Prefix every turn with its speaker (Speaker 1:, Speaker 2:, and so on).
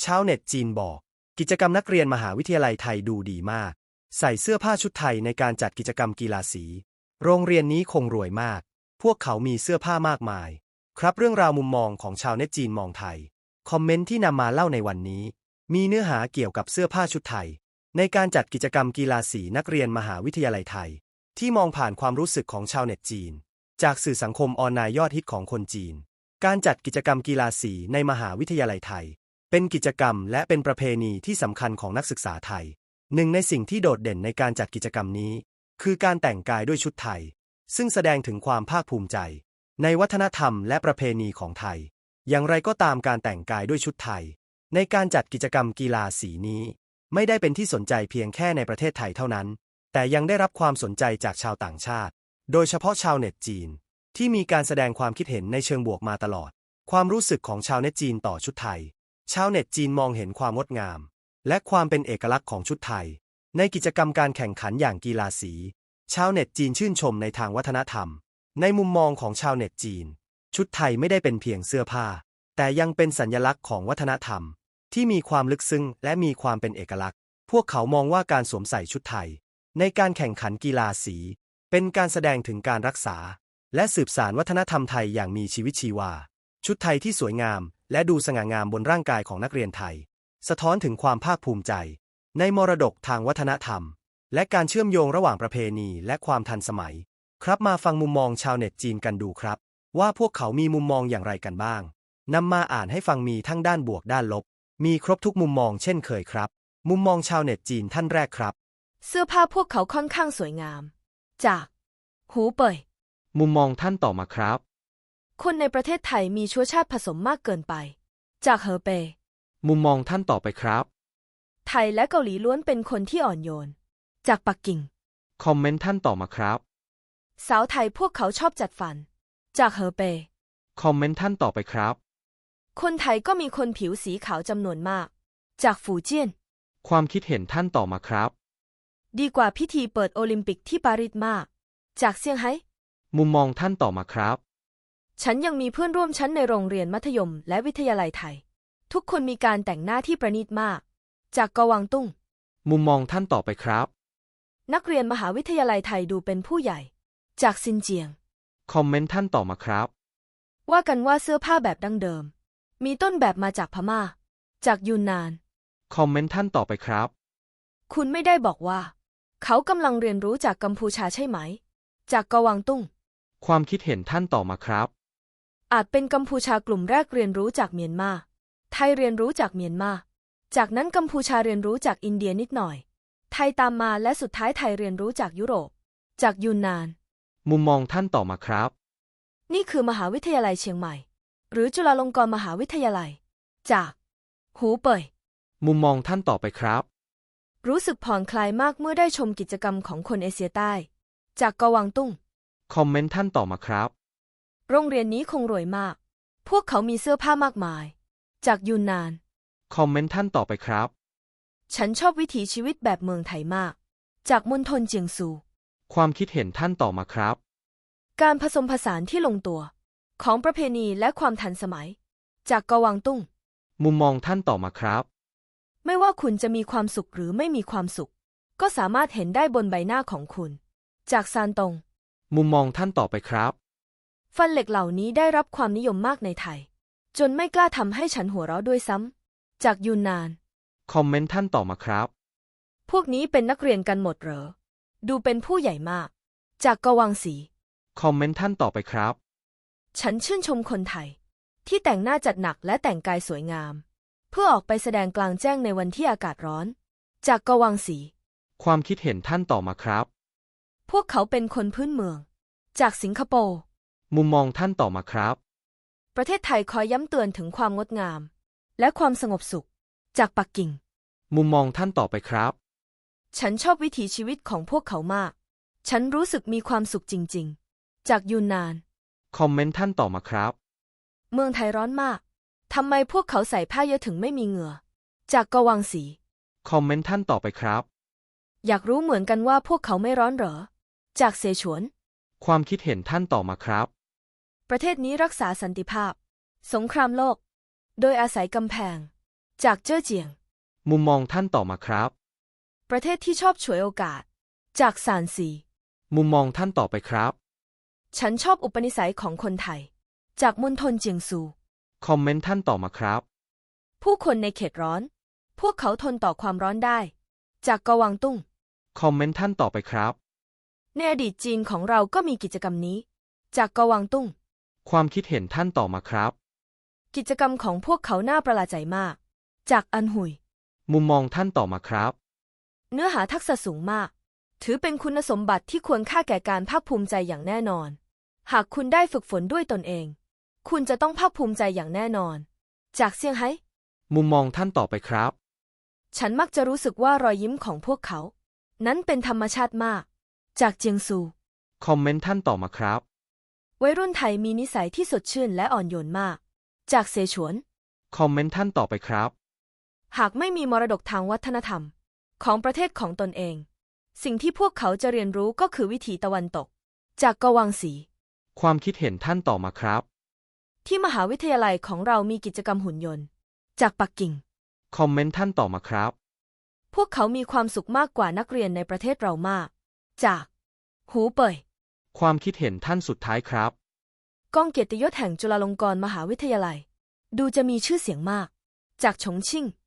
Speaker 1: ชาวเน็ตจีนบอกกิจกรรมนักเรียนมหาวิทยาลัยไทยดูดีมากใส่เสื้อผ้าชุดไทยในการจัดกิจกรรมกีฬาสีโรงเรียนนี้คงรวยมากพวกเขามีเสื้อผ้ามากมายครับเรื่องราวมุมมองของชาวเน็ตจีนมองไทยคอมเมนต์ที่นำมาเล่าในวันนี้มีเนื้อหาเกี่ยวกับเสื้อผ้าชุดไทยในการจัดกิจกรรมกีฬาสีนักเรียนมหาวิทยาลัยไทยที่มองผ่านความรู้สึกของชาวเน็ตจีนจากสื่อสังคมออนไลน์ยอดฮิตของคนจีนการจัดกิจกรรมกีฬาสีในมหาวิทยาลัยไทยเป็นกิจกรรมและเป็นประเพณีที่สำคัญของนักศึกษาไทยหนึ่งในสิ่งที่โดดเด่นในการจัดกิจกรรมนี้คือการแต่งกายด้วยชุดไทยซึ่งแสดงถึงความภาคภูมิใจในวัฒนธรรมและประเพณีของไทยอย่างไรก็ตามการแต่งกายด้วยชุดไทยในการจัดกิจกรรมกีฬาสีนี้ไม่ได้เป็นที่สนใจเพียงแค่ในประเทศไทยเท่านั้นแต่ยังได้รับความสนใจจากชาวต่างชาติโดยเฉพาะชาวเน็ตจีนที่มีการแสดงความคิดเห็นในเชิงบวกมาตลอดความรู้สึกของชาวเน็ตจีนต่อชุดไทยชาวเน็ตจีนมองเห็นความงดงามและความเป็นเอกลักษณ์ของชุดไทยในกิจกรรมการแข่งขันอย่างกีฬาสีชาวเน็ตจีนชื่นชมในทางวัฒนธรรมในมุมมองของชาวเน็ตจีนชุดไทยไม่ได้เป็นเพียงเสื้อผ้าแต่ยังเป็นสัญลักษณ์ของวัฒนธรรมที่มีความลึกซึ้งและมีความเป็นเอกลักษณ์พวกเขามองว่าการสวมใส่ชุดไทยในการแข่งขันกีฬาสีเป็นการแสดงถึงการรักษาและสืบสานวัฒนธรรมไทยอย่างมีชีวิตชีวาชุดไทยที่สวยงามและดูสง่างามบนร่างกายของนักเรียนไทยสะท้อนถึงความภาคภูมิใจในมรดกทางวัฒนธรรมและการเชื่อมโยงระหว่างประเพณีและความทันสมัยครับมาฟังมุมมองชาวเน็ตจีนกันดูครับว่าพวกเขามีมุมมองอย่างไรกันบ้างนำมาอ่านให้ฟังมีทั้งด้านบวกด้านลบมีครบทุกมุมมองเช่นเคยครับมุมมองชาวเน็ตจีนท่านแรกครับ
Speaker 2: เสื้อผ้าพวกเขาค่อนข้างสวยงามจากหูเป่ย
Speaker 3: มุมมองท่านต่อมาครับ
Speaker 2: คนในประเทศไทยมีเชื้อชาติผสมมากเกินไปจากเหอเปย
Speaker 3: มุมมองท่านต่อไปครับ
Speaker 2: ไทยและเกาหลีล้วนเป็นคนที่อ่อนโยนจากปักกิ่ง
Speaker 3: คอมเมนต์ท่านต่อมาครับ
Speaker 2: สาวไทยพวกเขาชอบจัดฟันจากเหอเปย
Speaker 3: คอมเมนต์ท่านต่อไปครับ
Speaker 2: คนไทยก็มีคนผิวสีขาวจำนวนมากจากฝูเจี้ยน
Speaker 3: ความคิดเห็นท่านต่อมาครับ
Speaker 2: ดีกว่าพิธีเปิดโอลิมปิกที่ปารีสมากจากเซี่ยงไฮ้
Speaker 3: มุมมองท่านต่อมาครับ
Speaker 2: ฉันยังมีเพื่อนร่วมชั้นในโรงเรียนมัธยมและวิทยาลัยไทยทุกคนมีการแต่งหน้าที่ประณีตมากจากกวางตุ้ง
Speaker 3: มุมมองท่านต่อไปครับ
Speaker 2: นักเรียนมหาวิทยาลัยไทยดูเป็นผู้ใหญ่จากซินเจียง
Speaker 3: คอมเมนต์ท่านต่อมาครับ
Speaker 2: ว่ากันว่าเสื้อผ้าแบบดั้งเดิมมีต้นแบบมาจากพม่าจากยูนนาน
Speaker 3: คอมเมนต์ท่านต่อไปครับ
Speaker 2: คุณไม่ได้บอกว่าเขากำลังเรียนรู้จากกัมพูชาใช่ไหมจากกวางตุ้ง
Speaker 3: ความคิดเห็นท่านต่อมาครับ
Speaker 2: อาจเป็นกัมพูชากลุ่มแรกเรียนรู้จากเมียนมาไทยเรียนรู้จากเมียนมาจากนั้นกัมพูชาเรียนรู้จากอินเดียนิดหน่อยไทยตามมาและสุดท้ายไทยเรียนรู้จากยุโรปจากยูนนาน
Speaker 3: มุมมองท่านต่อมาครับ
Speaker 2: นี่คือมหาวิทยาลัยเชียงใหม่หรือจุฬาลงกรณ์มหาวิทยาลัยจากหูเป่ย
Speaker 3: มุมมองท่านต่อไปครับ
Speaker 2: รู้สึกผ่อนคลายมากเมื่อได้ชมกิจกรรมของคนเอเชียใต้จากกวางตุ้ง
Speaker 3: คอมเมนต์ท่านต่อมาครับ
Speaker 2: โรงเรียนนี้คงรวยมากพวกเขามีเสื้อผ้ามากมายจากยูนนาน
Speaker 3: คอมเมนต์ท่านต่อไปครับ
Speaker 2: ฉันชอบวิถีชีวิตแบบเมืองไทยมากจากมณฑลเจียงซู
Speaker 3: ความคิดเห็นท่านต่อมาครับ
Speaker 2: การผสมผสานที่ลงตัวของประเพณีและความทันสมัยจากกวางตุ้ง
Speaker 3: มุมมองท่านต่อมาครับ
Speaker 2: ไม่ว่าคุณจะมีความสุขหรือไม่มีความสุขก็สามารถเห็นได้บนใบหน้าของคุณจากซานตง
Speaker 3: มุมมองท่านต่อไปครับ
Speaker 2: ฟันเหล็กเหล่านี้ได้รับความนิยมมากในไทยจนไม่กล้าทำให้ฉันหัวเราะด้วยซ้ำจากยูนนาน
Speaker 3: คอมเมนต์ท่านต่อมาครับ
Speaker 2: พวกนี้เป็นนักเรียนกันหมดเหรอดูเป็นผู้ใหญ่มากจากกวางสี
Speaker 3: คอมเมนต์ท่านต่อไปครับ
Speaker 2: ฉันชื่นชมคนไทยที่แต่งหน้าจัดหนักและแต่งกายสวยงามเพื่อออกไปแสดงกลางแจ้งในวันที่อากาศร้อนจากกวางสี
Speaker 3: ความคิดเห็นท่านต่อมาครับ
Speaker 2: พวกเขาเป็นคนพื้นเมืองจากสิงคโปร์
Speaker 3: มุมมองท่านต่อมาครับ
Speaker 2: ประเทศไทยคอยย้ำเตือนถึงความงดงามและความสงบสุขจากปักกิ่ง
Speaker 3: มุมมองท่านต่อไปครับ
Speaker 2: ฉันชอบวิถีชีวิตของพวกเขามากฉันรู้สึกมีความสุขจริงๆจากยูนนาน
Speaker 3: คอมเมนต์ท่านต่อมาครับ
Speaker 2: เมืองไทยร้อนมากทำไมพวกเขาใส่ผ้าเยอะถึงไม่มีเหงื่อจากกวางสี
Speaker 3: คอมเมนต์ท่านต่อไปครับ
Speaker 2: อยากรู้เหมือนกันว่าพวกเขาไม่ร้อนเหรอจากเสฉวน
Speaker 3: ความคิดเห็นท่านต่อมาครับ
Speaker 2: ประเทศนี้รักษาสันติภาพสงครามโลกโดยอาศัยกำแพงจากเจ้อเจียง
Speaker 3: มุมมองท่านต่อมาครับ
Speaker 2: ประเทศที่ชอบฉวยโอกาส จากซานซี
Speaker 3: มุมมองท่านต่อไปครับ
Speaker 2: ฉันชอบอุปนิสัยของคนไทย จากมณฑลเจียงซู
Speaker 3: คอมเมนต์ท่านต่อมาครับ
Speaker 2: ผู้คนในเขตร้อน พวกเขาทนต่อความร้อนได้ จากกวางตุ้ง
Speaker 3: คอมเมนต์ท่านต่อไปครับ
Speaker 2: ในอดีตจีนของเราก็มีกิจกรรมนี้ จากกวางตุ้ง
Speaker 3: ความคิดเห็นท่านต่อมาครับ
Speaker 2: กิจกรรมของพวกเขาน่าประหลาดใจมาก จากอันหุย
Speaker 3: มุมมองท่านต่อมาครับ
Speaker 2: เนื้อหาทักษะสูงมาก ถือเป็นคุณสมบัติที่ควรค่าแก่การภาคภูมิใจอย่างแน่นอน หากคุณได้ฝึกฝนด้วยตนเอง คุณจะต้องภาคภูมิใจอย่างแน่นอน จากเซี่ยงไฮ้
Speaker 3: มุมมองท่านต่อไปครับ
Speaker 2: ฉันมักจะรู้สึกว่ารอยยิ้มของพวกเขา นั้นเป็นธรรมชาติมาก จากเจียงซู
Speaker 3: คอมเมนต์ท่านต่อมาครับ
Speaker 2: วัยรุ่นไทยมีนิสัยที่สดชื่นและอ่อนโยนมาก จากเสฉวน
Speaker 3: คอมเมนต์ท่านต่อไปครับ
Speaker 2: หากไม่มีมรดกทางวัฒนธรรม ของประเทศของตนเอง สิ่งที่พวกเขาจะเรียนรู้ก็คือวิถีตะวันตก จากกวางสี
Speaker 3: ความคิดเห็นท่านต่อมาครับ
Speaker 2: ที่มหาวิทยาลัยของเรามีกิจกรรมหุ่นยนต์ จากปักกิ่ง
Speaker 3: คอมเมนต์ท่านต่อมาครับ
Speaker 2: พวกเขามีความสุขมากกว่านักเรียนในประเทศเรามาก จากหูเป่ย
Speaker 3: ความคิดเห็นท่านสุดท้ายครับ
Speaker 2: กองเกียรติยศแห่งจุฬาลงกรณ์มหาวิทยาลัย ดูจะมีชื่อเสียงมาก จากฉงชิ่ง